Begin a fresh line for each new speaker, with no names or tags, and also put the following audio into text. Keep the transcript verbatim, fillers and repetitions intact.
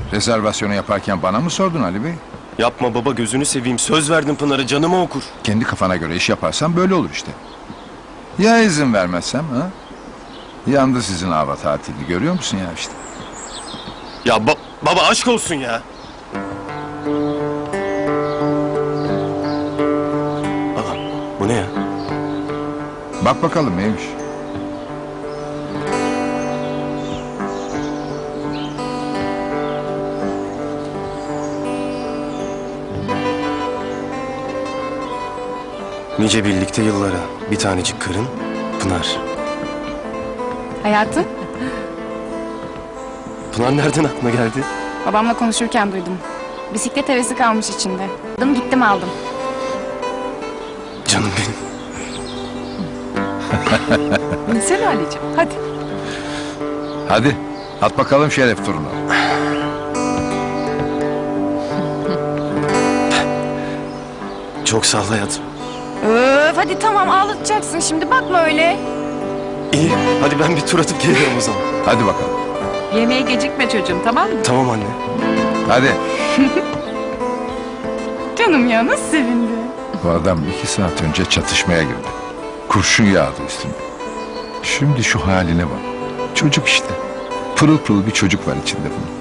Rezervasyonu yaparken bana mı sordun Ali Bey?
Yapma baba, gözünü seveyim. Söz verdim Pınar'a, canıma okur.
Kendi kafana göre iş yaparsan böyle olur işte. Ya izin vermezsem ha? Yandı sizin hava tatili, görüyor musun ya işte?
Ya ba- baba aşk olsun ya. Baba bu ne ya?
Bak bakalım neymiş.
Nice birlikte yıllara, bir tanecik karın, Pınar.
Hayatım,
Pınar nereden aklına geldi?
babamla konuşurken duydum. Bisiklet hevesi kalmış içinde. Aldım gittim aldım.
Canım benim.
Binsene Ali'ciğim, hadi.
Hadi at bakalım şeref turunu.
Çok sağ ol hayatım.
Öf hadi tamam ağlatacaksın şimdi bakma öyle.
İyi, hadi ben bir tur atıp geliyorum o zaman.
Hadi bakalım.
Yemeğe gecikme çocuğum, tamam mı?
Tamam anne.
Hadi.
Canım ya nasıl sevindi.
Bu adam iki saat önce çatışmaya girdi. Kurşun yağdı üstüne. Şimdi şu haline bak. Çocuk işte. Pırıl pırıl bir çocuk var içinde bunun.